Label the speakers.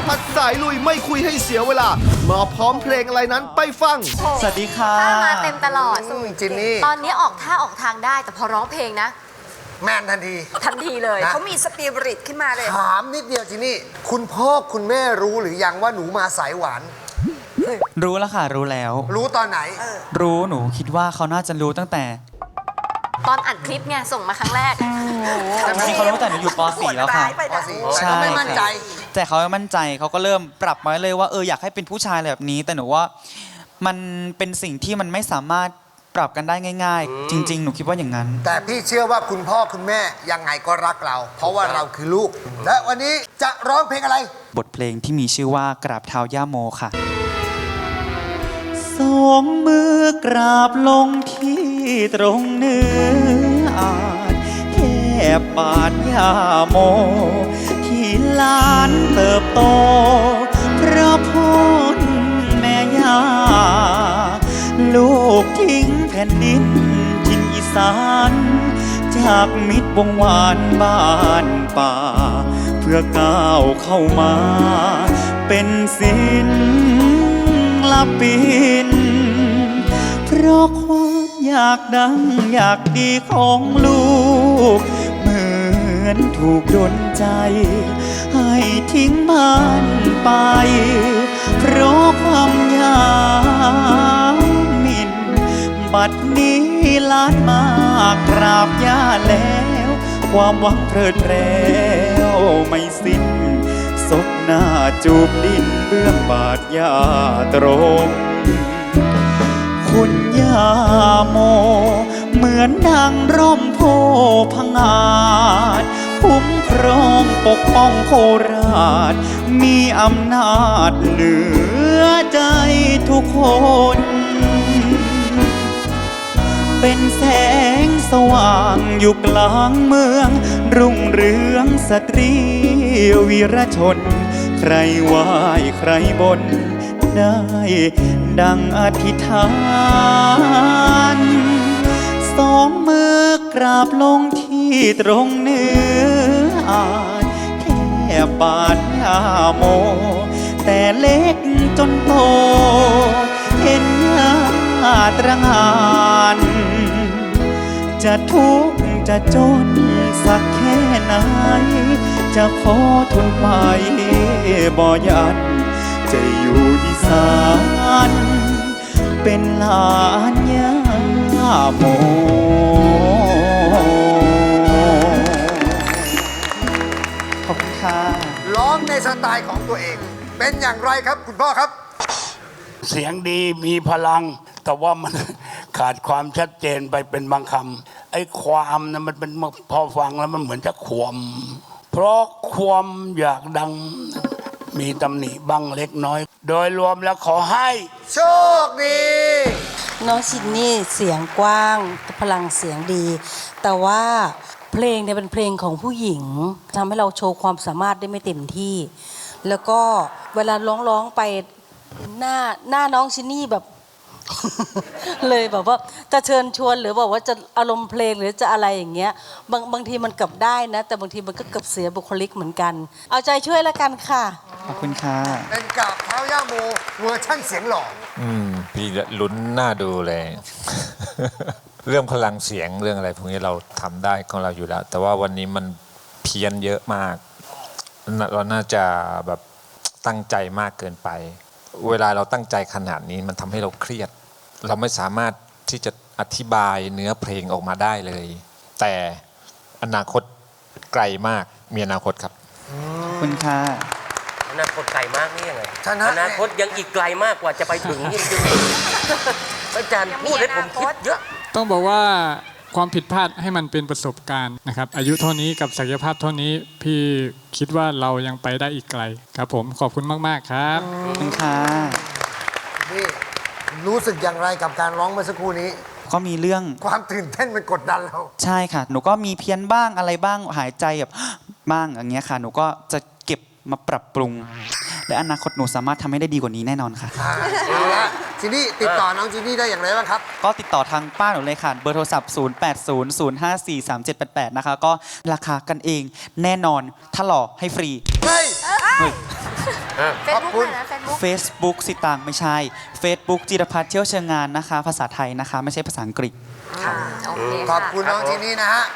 Speaker 1: พัฒน์สายลุยไม่คุยให้เสียเวลามาพร้อมเพลงอะไรนั้นไปฟัง
Speaker 2: สวัสดีค่ะ
Speaker 3: ท่ามาเต็มตลอด
Speaker 4: จินนี่
Speaker 3: ตอนนี้ออกท่าออกทางได้แต่พอร้องเพลงนะ
Speaker 4: แมนทันที
Speaker 3: ทันทีเลย
Speaker 4: นะ
Speaker 5: เขามีสปิริตขึ้นมาเลย
Speaker 4: ถามนิดเดียวจินนี่ คุณพ่อคุณแม่รู้หรือยังว่าหนูมาสายหวาน
Speaker 2: รู้แล้วค่ะรู้แล้ว
Speaker 4: รู้ตอนไหน
Speaker 2: รู้หนูคิดว่าเขาน่าจะรู้ตั้งแต่
Speaker 3: ตอนอัดคลิปไงส่งมาครั้งแรก
Speaker 2: จริงๆเขารู้ตั้งแต่หนูอยู่ป .4 แล้วค่ะ
Speaker 4: ป .4
Speaker 2: ใช่
Speaker 4: แต่ก็ไม่มั่นใจ
Speaker 2: แต่เขาไม่มั่นใจเขาก็เริ่มปรับมาเลยว่าอยากให้เป็นผู้ชายแบบนี้ แต่หนูว่ามันเป็นสิ่งที่มันไม่สามารถปรับกันได้ง่าย ๆ จริง ๆ หนูคิดว่าอย่างนั้น
Speaker 4: แต่พี่เชื่อว่าคุณพ่อคุณแม่ยังไงก็รักเรา เพราะว่าเราคือลูก และวันนี้จะร้องเพลงอะไร
Speaker 2: บทเพลงที่มีชื่อว่ากราบเท้าย่าโมค่ะสองมือกราบลงที่ตรงเนื้ออาจแค่บาดย่าโม ที่หลานเติบโตเพราะพ้นแม่ย่าลูกทิ้งแผ่นดินทินอีสานจากมิตรวงวานบ้านป่า เพื่อก้าวเข้ามาเป็นศิลปินเพราะความอยากดังอยากดีของลูกเหมือนถูกดลใจให้ทิ้งบ้านไปเพราะความอยากมินบัดนี้ล้านมากราบย่าแล้วความหวังเพลิดเพล้วไม่สิ้นศพหน้าจูบดินเบื้องบาทย่าตรงคุณย่าโมเหมือนดังร่มโพพังอาจคุ้มครองปกป้องโคราชมีอำนาจเหนือใจทุกคนเป็นแสงสว่างอยู่กลางเมืองรุ่งเรืองสตรีวีรชนใครไหว้ใครบนได้ดังอธิษฐานสองมือกราบลงที่ตรงเนื้ออาจแค่บาทยาโมแต่เล็กจนโตเห็นหน้าตระหง่านจะทุกข์จะจนสักแค่ไหนจะขอทนไปบ่ยันจะอยู่อีสานเป็นหลานย่าโมขอบคุณค่ะ
Speaker 4: ร้องในสไตล์ของตัวเอง เป็นอย่างไรครับคุณพ่อครับ
Speaker 6: เสียงดีมีพลัง แต่ว่ามัน ขาดความชัดเจนไปเป็นบางคำไอ้ความนะมันเป็นพอฟังแล้วมันเหมือนจะขวมเพราะความอยากดังมีตำหนิบ้างเล็กน้อย โดยรวมแล้วขอให้
Speaker 4: โชคดี
Speaker 5: น้องซินนี่เสียงกว้างพลังเสียงดี แต่ว่าเพลงเนี่ยเป็นเพลงของผู้หญิงทำให้เราโชว์ความสามารถได้ไม่เต็มที่ แล้วก็เวลาร้องไปหน้าน้องซินนี่แบบ เลยแบบว่าจะเชิญชวนหรือบอกว่าจะอารมณ์เพลงหรือจะอะไรอย่างเงี้ยบางทีมันกลับได้นะ แต่บางทีมันก็เกือบเสียบุคลิกเหมือนกัน เอาใจช่วยแล้วกันค่ะ
Speaker 2: ขอบคุณค่ะ
Speaker 4: เป็นกราบเท้าย่าโมเวอร์ชั่นเสียงหล่อ
Speaker 7: พี่ลุ้นหน้าดูเลย เรื่องพลังเสียงเรื่องอะไรพวกนี้เราทำได้ของเราอยู่แล้ว แต่ว่าวันนี้มันเพี้ยนเยอะมาก เราน่าจะแบบตั้งใจมากเกินไป เวลาเราตั้งใจขนาดนี้มันทำให้เราเครียด เราไม่สามารถที่จะอธิบายเนื้อเพลงออกมาได้เลย แต่อนาคตไกลมากมีอนาคตครับ
Speaker 2: ขอบคุณค่ะ
Speaker 8: อนาคตไกลมากนี่ยังไง
Speaker 4: ชนะ
Speaker 8: อนาคตยังอีกไกลมากกว่าจะไปถึงจริงๆอาจารย์พูดให้ผมคิดเยอะ
Speaker 9: ต้องบอกว่าความผิดพลาดให้มันเป็นประสบการณ์นะครับอายุเท่านี้กับศักยภาพเท่านี้พี่คิดว่าเรายังไปได้อีกไกลครับผมขอบคุณมากๆครับ
Speaker 2: ขอบคุณค่ะ
Speaker 4: นี่รู้สึกอย่างไรกับการร้องเมื่อสักครู่นี้
Speaker 2: ก็มีเรื่อง
Speaker 4: ความตื่นเต้นมันกดดันเรา
Speaker 2: ใช่ค่ะ หนูก็มีเพี้ยนบ้างอะไรบ้างหายใจแบบ บ้างอย่างเงี้ยค่ะ หนูก็จะเก็บมาปรับปรุง และอนาคตหนูสามารถทำให้ได้ดีกว่านี้แน่นอนค่ะ
Speaker 4: เอาละจินนี่ติดต่อน้องจินนี่ได้อย่างไรบ้างครับ
Speaker 2: ก็ติดต่อทางป้าหนูเลยค่ะ เบอร์โทรศัพท์ 0800543788 นะคะ ก็ราคากันเองแน่นอน ถ้าหล่อให้ฟรี
Speaker 4: เฮ้ย
Speaker 2: เฮ้ย
Speaker 3: เฟซบุ๊กนะเฟซบุ๊ก
Speaker 2: Facebook สิตางไม่ใช่ Facebook จิรพัฒน์เที่ยวเชิงงานนะคะ ภาษาไทยนะคะ ไม่ใช่ภาษาอังกฤษ
Speaker 3: โอเค
Speaker 4: ขอบคุณน้องที่นี่นะฮะ